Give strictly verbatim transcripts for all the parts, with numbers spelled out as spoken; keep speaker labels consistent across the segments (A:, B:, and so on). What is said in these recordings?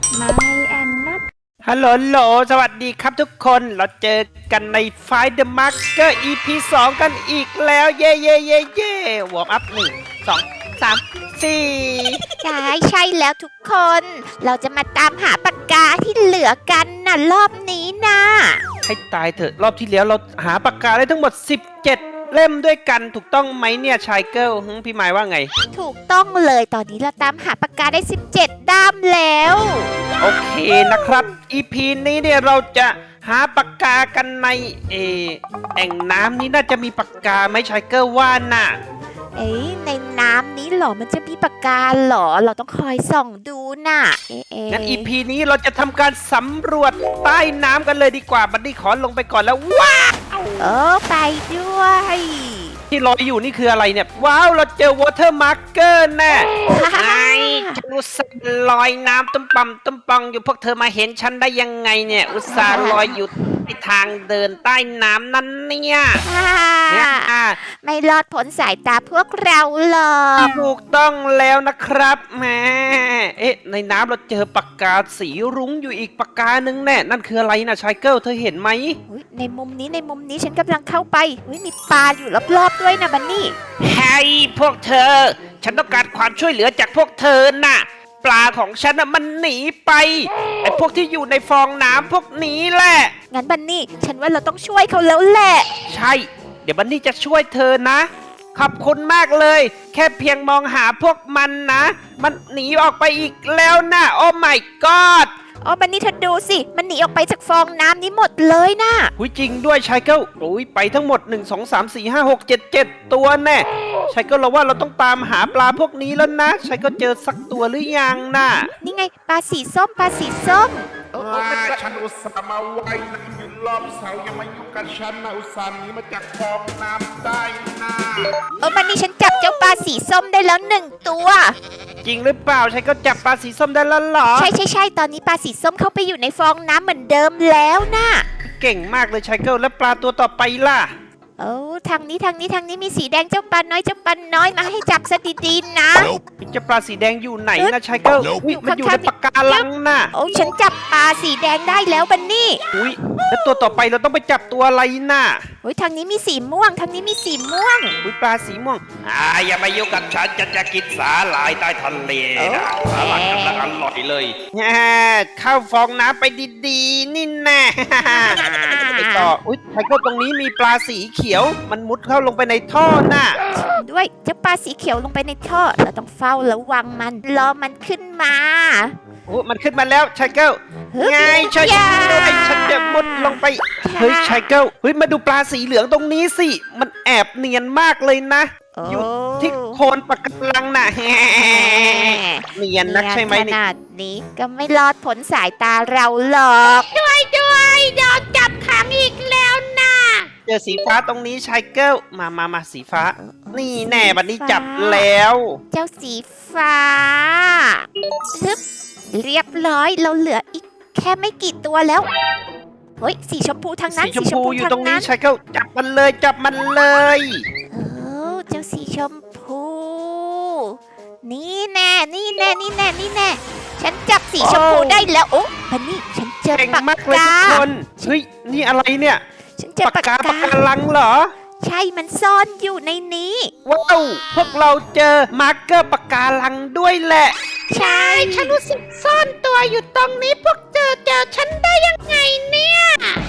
A: ไม่แอนนัท
B: ฮัลโหลโหลสวัสดีครับทุกคนเราเจอกันใน Fight the Marker อี พี สองกันอีกแล้วเย่เย่เย่เย่วอร์มอัพหนึ่งสองสามสี่
C: ใช่ใช่แล้วทุกคน เราจะมาตามหาปากกาที่เหลือกันน่ะรอบนี้นะ
B: ให้ตายเถอะรอบที่แล้วเราหาปากกาได้ทั้งหมดสิบเจ็ดเล่มด้วยกันถูกต้องไหมเนี่ยชายเกิลพี่หมายว่าไง
C: ถูกต้องเลยตอนนี้เราตามหาปากกาได้สิบเจ็ดด้ามแล้ว
B: โอเคนะครับ อี พี นี้เนี่ยเราจะหาปากกากันในเอแอ่งน้ำนี้น่าจะมีปากกาไหมชายเกิลว่าน่ะ
C: เอ้ยในน้ำนี้เหรอมันจะมีปากกาเหรอเราต้องคอยส่องดูน่ะเอ๊ะ
B: งั้น อี พี นี้เราจะทำการสำรวจใต้น้ำกันเลยดีกว่าบัดดี้ขอลงไปก่อนแล้วว้าว
C: เออไปด้วย
B: ที่ลอยอยู่นี่คืออะไรเนี่ยว้าวเราเจอ water marker แน่ไอ้ฉันอุตส่าห์ลอยน้ำตุ้มปั่มตุ้มปองอยู่พวกเธอมาเห็นฉันได้ยังไงเนี่ยอุตส่าห์ลอยอยู่ในทางเดินใต้น้ำนั่นเนี่ย
C: ไม่รอดพ้นสายตาพวกเราหรอก
B: ถูกต้องแล้วนะครับแม่เอ๊ะในน้ำเราเจอปากกาสีรุ้งอยู่อีกปากกาหนึ่งแน่นั่นคืออะไรนะชายเกิลเธอเห็นไหม
C: ในมุมนี้ในมุมนี้ฉันกำลังเข้าไปมีปลาอยู่รอบๆด้วยนะบันนี่
B: เฮ้ยพวกเธอฉันต้องการความช่วยเหลือจากพวกเธอน่ะปลาของฉันน่ะมันหนีไปไอ้พวกที่อยู่ในฟองน้ำพวกนี้แหละ
C: งั้นบันนี่ฉันว่าเราต้องช่วยเขาแล้วแหละ
B: ใช่เดี๋ยวบันนี่จะช่วยเธอนะขอบคุณมากเลยแค่เพียงมองหาพวกมันนะมันหนีออกไปอีกแล้วนะโอ้ my god
C: อ๋อบันนี่เธอดูสิมันหนีออกไปจากฟองน้ำนี้หมดเลยนะ
B: หุยจริงด้วยชายเกิลโอ้ยไปทั้งหมดหนึ่ง สอง สาม สี่ ห้า หก เจ็ด เจ็ดตัวแน่ชายเกิลเราว่าเราต้องตามหาปลาพวกนี้แล้วนะชายเกิลเจอสักตัวหรือยังน่ะ
C: นี่ไงปลาสีส้มปลาสีส้ม
D: ฉันอุตส่าห์มาว่ายน้ำอยู่รอบเสายังมายุ่งกับฉันนะอุตส่าห์หนีมาจากฟองน้ำได้นะ
C: เออบันนี่ฉันจับเจ้าปลาสีส้มได้แล้วหนึ่งตัว
B: จริงหรือเปล่าชายเกิลจับปลาสีส้มได้แล้วเหรอ
C: ใช่ใช่ใช่ตอนนี้ปลาสีส้มเข้าไปอยู่ในฟองน้ำเหมือนเดิมแล้วนะ
B: เก่งมากเลยชายเกิลแล้วปลาตัวต่อไปล่ะ
C: โอ้ทางนี้ทางนี้ทางนี้มีสีแดงเจ้าปลาน้อยเจ้าปลาน้อยมาให้จับซะดีๆนะ
B: เจ้าปลาสีแดงอยู่ไหนนะชายเกิลมันอยู่ในปากกาลังน่ะ
C: โอ้ฉันจับปลาสีแดงได้แล้วบันนี่
B: อุ้ยแล้วตัวต่อไปเราต้องไปจับตัวอะไรน่ะ
C: อุ้ยทางนี้มีสีม่วงทางนี้มีสีม่วง
B: อุ้ยปลาสีม่วง
D: อ่าอย่ามายุ่งกับฉันจะจะกินสาหร่ายใต้ทะเลนะสาหร่ายกำลังอร่อยเลย
B: แง่เข้าฟองน้ำไปดีๆนี่แน่ไปต่ออุ้ยชายเกิลตรงนี้มีปลาสีเขียวมันมุดเข้าลงไปในท่อน่ะ
C: ด้วยเจ้าปลาสีเขียวลงไปในท่อเราต้องเฝ้าระวังมันรอมันขึ้นมา
B: โอ้มันขึ้นมาแล้วชายเกิลไงช่วยด้วยฉันจะมุดลงไปเฮ้ยชายเกิลเฮ้ยมาดูปลาสีเหลืองตรงนี้สิมันแอบเนียนมากเลยนะอยู่ที่โคนปะการังน่ะเนียนนักใช่ไหม
C: นี่ขนาดนี้ก็ไม่รอดพ้นสายตาเราหรอกด้วยด้วยโดนจับขังอีกแล้วนะ
B: เจอสีฟ้าตรงนี้ชายเกิลมามามาสีฟ้านี่แน่บัดนี้จับแล้ว
C: เจ้าสีฟ้าฮึบเรียบร้อยเราเหลืออีกแค่ไม่กี่ตัวแล้วเฮ้ยสีชมพูทางนั้น
B: สีชมพูอยู่ตรงนี้ชายเกิลจับมันเลยจับมันเลย
C: เออเจ้าสีชมพูนี่แน่นี่แน่นี่แน่นี่แน่ฉันจับสีชมพูได้แล้วโอ้บันนี่ฉันเจอปากกา
B: เฮ้ยนี่อะไรเนี่ย
C: ฉันเจอปากกา
B: ปากกาลังเหรอ
C: ใช่มันซ่อนอยู่ในนี้
B: ว้าวพวกเราเจอมาร์กเกอร์ปากกาลังด้วยแหละ
C: ใช่ฉันรู้สึกซ่อนตัวอยู่ตรงนี้พวกเจอเจอฉันได้ยังไงเนี่ย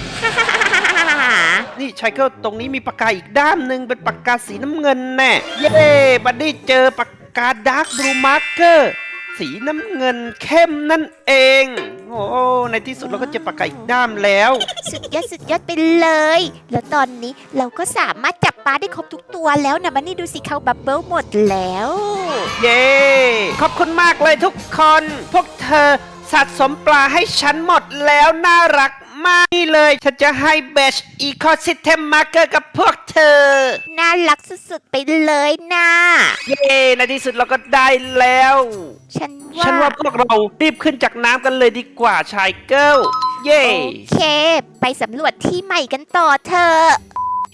B: นี่ชายเกิลตรงนี้มีปากกาอีกด้ามหนึ่งเป็นปากกาสีน้ำเงินแน่เย้บัดดี้เจอปากกาดาร์กบลูมาร์กเกอร์สีน้ำเงินเข้มนั่นเองโอ้ในที่สุดเราก็เจอปากกาอีกด้ามแล้ว
C: สุดยอดสุดยอดไปเลยแล้วตอนนี้เราก็สามารถจับปลาได้ครบทุกตัวแล้วนะบันนี่ดูสิเขาบับเบิ้ลหมดแล้ว
B: เย้ขอบคุณมากเลยทุกคนพวกเธอสะสมปลาให้ฉันหมดแล้วน่ารักมากนี่เลยฉันจะให้เบชอีโคซิสเต็มมาร์เกอร์กับพวกเธอ
C: น่ารักสุดๆไปเลยนะ
B: เย้ในที่สุดเราก็ได้แล้ว
C: ฉันว่า
B: ฉันว่าพวกเรารีบขึ้นจากน้ำกันเลยดีกว่าชายเกิลเย้
C: โอเคไปสำรวจที่ใหม่กันต่อเถอะ
B: โอเค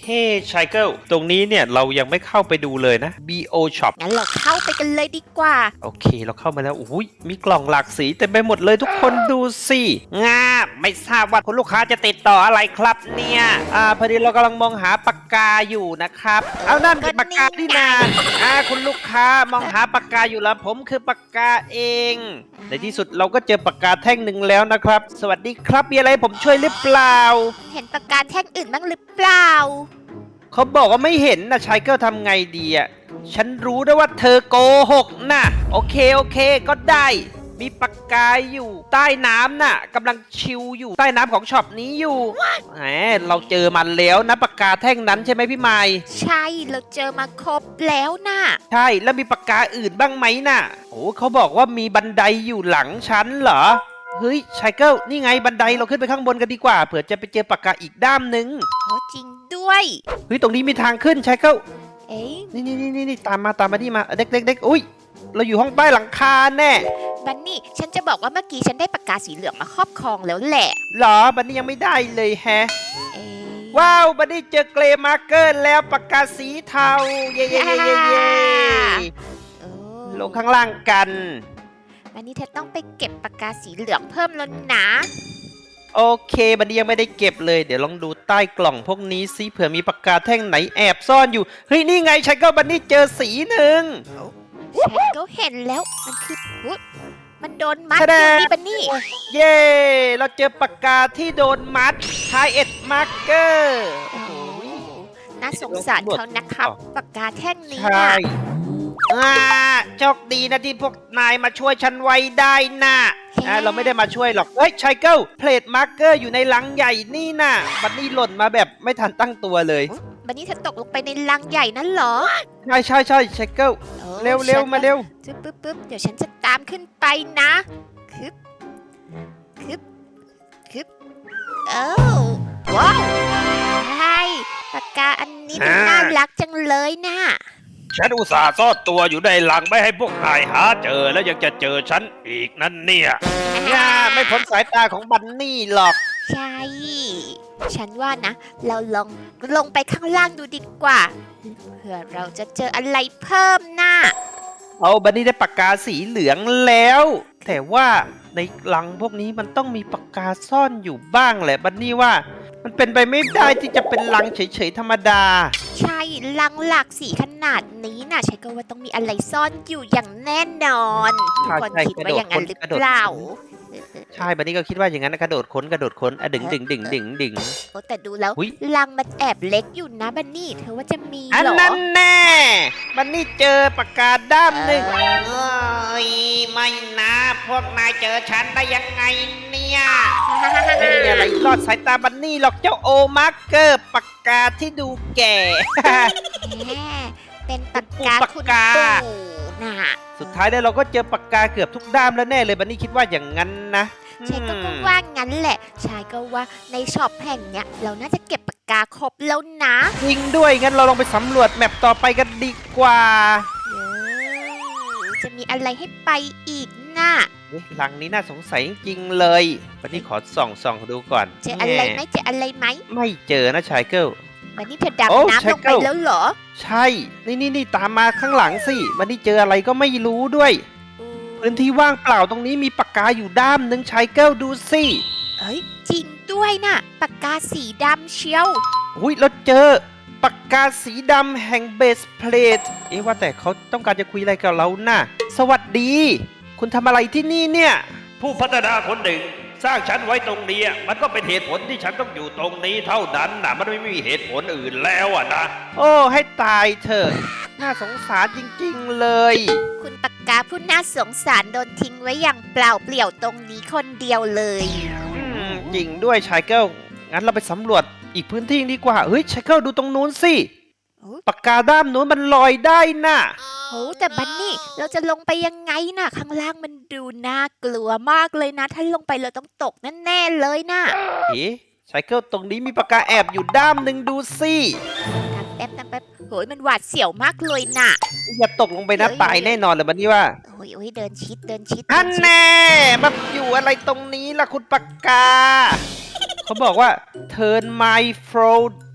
B: เฮ้ชายเกิลตรงนี้เนี่ยเรายังไม่เข้าไปดูเลยนะ บี โอ Shop
C: งั้นเราเข้าไปกันเลยดีกว่า
B: โอเคเราเข้ามาแล้วอุ้ยมีกล่องหลากสีเต็มไปหมดเลยทุกคนดูสิงาไม่ทราบว่าคุณลูกค้าจะติดต่ออะไรครับเนี่ยอ่าพอดีเรากำลังมองหาปากกาอยู่นะครับเอานั่นเป็นปากกาที่นาอ่าคุณลูกค้ามองหาปากกาอยู่แล้วผมคือปากกาเองในที่สุดเราก็เจอปากกาแท่งหนึ่งแล้วนะครับสวัสดีครับมีอะไรผมช่วยหรือเปล่า
C: เห็นปากกาแท่งอื่นบ้างหรือเปล่า
B: เขาบอกว่าไม่เห็นนะชายเกิลทำไงดีอ่ะฉันรู้นะว่าเธอโกหกนะโอเคโอเคก็ได้ มีปากกาอยู่ใต้น้ำน่ะกำลังชิลอยู่ใต้น้ำของช็อปนี้อยู่แหมเราเจอมันแล้วนะปากกาแท่งนั้นใช่ไหมพี่ไม้
C: ใช่เราเจอมาครบแล้วน่ะ
B: ใช่แล้วมีปากกาอื่นบ้างไหมน่ะโอ้เขาบอกว่ามีบันไดอยู่หลังฉันเหรอเฮ้ยชายเกิลนี่ไงบันไดเราขึ้นไปข้างบนกันดีกว่าเผื่อจะไปเจอปากกาอีกด้ามหนึ่ง
C: โอ้จริงด้วย
B: เฮ้ยตรงนี้มีทางขึ้นชายเกิล
C: เอ๊ะ
B: นี่นี่นี่นี่ตามมาตามมาที่มาเด็กเด็กเด็กอุ้ยเราอยู่ห้องใต้หลังคาแน่
C: บันนี่ฉันจะบอกว่าเมื่อกี้ฉันได้ปากกาสีเหลืองมาครอบครองแล้วแหละ
B: หรอบันนี้ยังไม่ได้เลยแฮะ
C: เอ๊ะ
B: ว้าวบันนี้เจอเกรย์มาร์เกอร์แล้วปากกาสีเทาเย่เย่เย่เย่เย่
C: โอ้
B: ลงข้างล่างกัน
C: บันนี่เธอต้องไปเก็บปากกาสีเหลืองเพิ่มแล้วนะ
B: โอเคบันนี้ยังไม่ได้เก็บเลยเดี๋ยวลองดูใต้กล่องพวกนี้ซิเผื่อมีปากกาแท่งไหนแอบซ่อนอยู่เฮ้ยนี่ไงฉันก็บันนี้เจอสีหนึ่ง
C: ฉันก็เห็นแล้วมันคืออุ๊ยมันโดนมัด
B: แส
C: อ
B: ด
C: ยู่
B: ง
C: นี่บันนี่
B: เย่เราเจอปากกาที่โดนมัดทายเอ็ดมาร์เกอร์
C: โอ้โหน่าสงสารเขานะครับปากกาแท่งนี้
B: ใช่
C: น่ะ
B: อ่าโชคดีนะที่พวกนายมาช่วยฉันไว้ได้นะอ่าเราไม่ได้มาช่วยหรอก เฮ้ยชายเกิลเพลทมาร์เกอร์อยู่ในลังใหญ่นี่นะบันนี่หล่นมาแบบไม่ทันตั้งตัวเลย
C: บันนี่เธอตกลงไปในลังใหญ่นั่นเหรอ
B: ใช่ใช่ใช่ชายเกิล
C: โอ้
B: เร็วเร็ว
C: ฉัน
B: มาเร็ว
C: จึ๊บปึ๊บปึ๊บเดี๋ยวฉันจะตามขึ้นไปนะคึบคึบคึบเอ้าว้าวใช่ปากกาอันนี้มันน่ารักจังเลยนะ
A: ฉันอุตส่าห์ซ่อนตัวอยู่ในหลังไม่ให้พวกนายหาเจอแล้วยังจะเจอฉันอีกนั่นเนี่ย
B: อ่าไม่พ้นสายตาของบันนี่หรอก
C: ใช่ ฉันว่านะ เราลองลงไปข้างล่างดูดีกว่า เผื่อเราจะเจออะไรเพิ่มนะ
B: เอาบันนี่ได้ปากกาสีเหลืองแล้ว แต่ว่าในลังพวกนี้มันต้องมีปากกาซ่อนอยู่บ้างแหละบันนี่ว่า มันเป็นไปไม่ได้ที่จะเป็นลังเฉยๆธรรมดา
C: ใช่ลังหลากสีขนาดนี้นะฉันก็ว่าต้องมีอะไรซ่อนอยู่อย่างแน่นอนทุกคน
B: ใช่
C: คิดว่าอย่างนั้นหรือก
B: ระโดด
C: เปล่า
B: ใช่บันนี่ก็คิดว่าอย่างนั้นนะกระโดดค้นกระโดดค้นอะดึงดึงดึงดึงดึง
C: โอ้แต่ดูแล้ว
B: อุ๊ย
C: ลังมันแอบเล็กอยู่นะบันนี่ เธอว่าจะมี
B: อัน
C: เหรอ
B: นั้นแน่บันนี่เจอปากกาด้ามหนึ่ง
C: เออ
B: เอ้ยไม่นะพวกนายเจอฉันได้ยังไงเนี่ยไม่มีอะไรรอดสายตาบันนี่หรอกเจ้าโอมาร์เกอร์ปากกาที่ดูแก่
C: แหมเป็นปากกา
B: ปาก
C: คุณ
B: กา
C: ปู่น่ะ
B: สุดท้ายแล้วเราก็เจอปากกาเกือบทุกด้ามแล้วแน่เลยบันนี่คิดว่าอย่างนั้นนะ
C: ใช่ก็
B: อืม
C: ว่างั้นแหละ ชายก็ว่าในช็อปแห่งเนี้ยเราน่าจะเก็บปากกาครบแล้วนะ
B: จริงด้วยงั้นเราลองไปสำรวจแมปต่อไปกันดีกว่า
C: เออจะมีอะไรให้ไปอีกน่ะ
B: เอ๊ะหลังนี้น่าสงสัยจริงๆเลยวันนี้ขอส่องส่องดูก่อน
C: เจออะไรไหม
B: แ
C: เจออะไรไหม
B: ไม่เจอนะชายเกิล
C: วันนี้เธอ
B: โอ้
C: ดำน้ำ
B: ชาย
C: ลงไป
B: เกิล
C: แล้วเหรอ
B: ใช่ นี่นี่นี่ตามมาข้างหลังสิวันนี้เจออะไรก็ไม่รู้ด้วย พื้นที่ว่างเปล่าตรงนี้มีปากกาอยู่ด้ามหนึ่งชายเกิลดูสิ
C: เอ้ยจริงด้วยน่ะปากกาสีดำเชียว
B: อุ้ยเราเจอปากกาสีดำแห่งเบสเพลทเอ๊ะว่าแต่เขาต้องการจะคุยอะไรกับเราน่ะ สวัสดี คุณทำอะไรที่นี่เนี่ย
A: ผู้พัฒนาคนหนึ่ง สร้างฉันไว้ตรงนี้มันก็เป็นเหตุผลที่ฉันต้องอยู่ตรงนี้เท่านั้นนะมันไม่มีเหตุผลอื่นแล้วอะนะ
B: โอ้ให้ตายเถอะน่าสงสารจริงๆเลย
C: คุณปากกาผู้น่าสงสารโดนทิ้งไว้อย่างเปล่าเปลี่ยวตรงนี้คนเดียวเลย
B: อืมจริงด้วยชายเกิลงั้นเราไปสำรวจอีกพื้นที่ดีกว่าเฮ้ยชายเกิลดูตรงนู้นสิ
C: โอ้
B: ปากกาด้ามนู้นมันลอยได้น่ะ
C: โหแต่บันนี่เราจะลงไปยังไงน่ะ ข้างล่างมันดูน่ากลัวมากเลยนะ ถ้าลงไปเราต้องตกแน่ๆเลยน่ะ
B: เอ๊ะชายเกิลตรงนี้มีปากกาแอบอยู่ด้ามหนึ่งดูสิ
C: ทำแป๊บทำแป๊บโหยมันหวาดเสียวมากเลยน่ะ
B: อย่าตกลงไปนะตายแน่นอนเลยบันนี้ว่า
C: โอ้ยโอ้ยเดินชิดเดินชิด
B: อัน
C: เดิชิด
B: แน่มาอยู่อะไรตรงนี้ล่ะคุณปากกา เขาบอกว่า turn my fro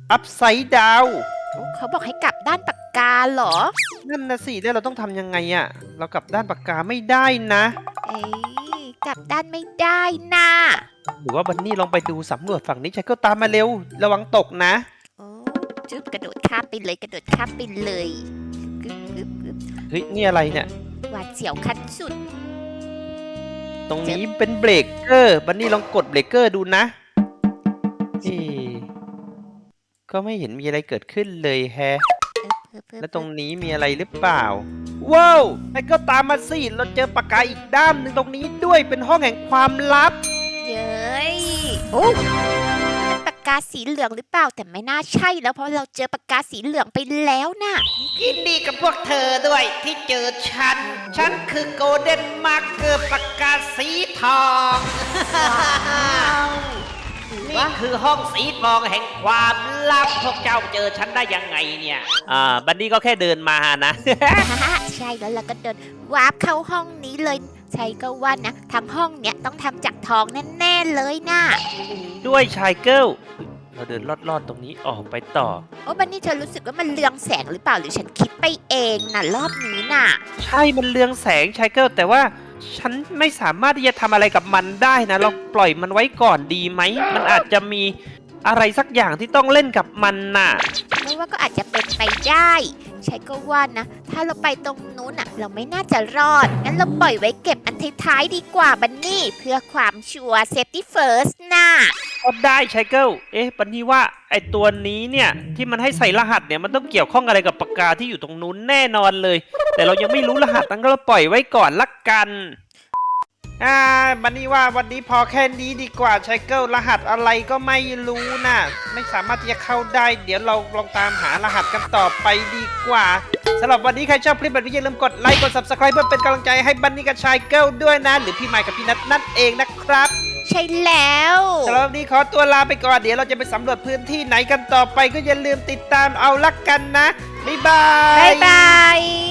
B: อัพไซด์ดาว
C: โอ้เขาบอกให้กลับด้านปากกาเหรอ
B: นั่นนะสิแล้วเราต้องทำยังไงอะเรากลับด้านปากกาไม่ได้นะ
C: เอ้ยกลับด้านไม่ได้น่ะ
B: หรือว่าบันนี่ลองไปดูสำรวจฝั่งนี้ชายเกิลตามมาเร็ว ระวังตกนะ
C: โอ้จุ๊บกระโดดข้ามไปเลยกระโดดข้ามไปเลยกึ๊บกึ๊บกึ๊บ
B: เฮ้ยนี่อะไรเนี่ย
C: หวาดเสียวขั้นสุด
B: ตรงนี้เป็นเบรกเกอร์ บันนี่ลองกดเบรกเกอร์ดูนะเอ๊ะก็ไม่เห็นมีอะไรเกิดขึ้นเลยแฮะ แล้วตรงนี้มีอะไรหรือเปล่า ว้าวไอ้ก็ตามมาสิ เราเจอปากกาอีกด้ามหนึ่งตรงนี้ด้วยเป็นห้องแห่งความลับ
C: เย้ยโอ้เป็นปากกาสีเหลืองหรือเปล่าแต่ไม่น่าใช่แล้วเพราะเราเจอปากกาสีเหลืองไปแล้วน่ะ
B: ยินดีกับพวกเธอด้วยที่เจอฉัน ฉันคือโกลเด้นมาร์เกอร์ปากกาสีทอง นี่คือห้องสีทองแห่งความลับ พวกเจ้าเจอฉันได้ยังไงเนี่ย อ่า บันนี่ก็แค่เดินมานะ
C: ใช่แล้วเราก็เดินวาร์ปเข้าห้องนี้เลยใช่ก็ว่านะทั้งห้องเนี้ยต้องทำจากทองแน่ๆเลยน่ะ
B: ด้วยชายเกิลเราเดินลอดๆตรงนี้ออกไปต่อ
C: โอ้บันนี่เธอรู้สึกว่ามันเรืองแสงหรือเปล่าหรือฉันคิดไปเองน่ะรอบนี้น่ะ
B: ใช่มันเรืองแสงชายเกิลแต่ว่าฉันไม่สามารถที่จะทำอะไรกับมันได้นะ เราปล่อยมันไว้ก่อนดีไหม มันอาจจะมีอะไรสักอย่างที่ต้องเล่นกับมันน่ะ
C: เพราะว่าก็อาจจะเป็นไปได้ ใช่ก็ว่านะ ถ้าเราไปตรงนู้นอ่ะ เราไม่น่าจะรอด งั้นเราปล่อยไว้เก็บอันท้ายๆดีกว่าบันนี่ เพื่อความชัวร์ safety first น่ะ
B: ก็ได้ชายเกิลเอ๊ะปันนี่ว่าไอตัวนี้เนี่ยที่มันให้ใส่รหัสเนี่ยมันต้องเกี่ยวข้องอะไรกับปากกาที่อยู่ตรงนู้นแน่นอนเลย แต่เรายังไม่รู้รหัสนั้นก็เราปล่อยไว้ก่อนละกันอ่าบันนี่ว่าวันนี้พอแค่นี้ดีกว่าชายเกิลรหัสอะไรก็ไม่รู้นะไม่สามารถที่จะเข้าได้ เดี๋ยวเราลองตามหารหัสกันต่อไปดีกว่าสำหรับวันนี้ใครชอบคลิปแบบนี้อย่าลืมกดไลค์กด ซับสไครบ์ เพื่อเป็นกำลังใจให้บันนี่กับชายเกิลด้วยนะหรือพี่ไมค์กับพี่นัทนั่นเองนะครับ
C: ใช่แล้ว
B: สำหรับวันนี้ขอตัวลาไปก่อน เดี๋ยวเราจะไปสำรวจพื้นที่ไหนกันต่อไปก็อย่าลืมติดตามเอาละกันนะ บ๊ายบาย
C: บ๊ายบาย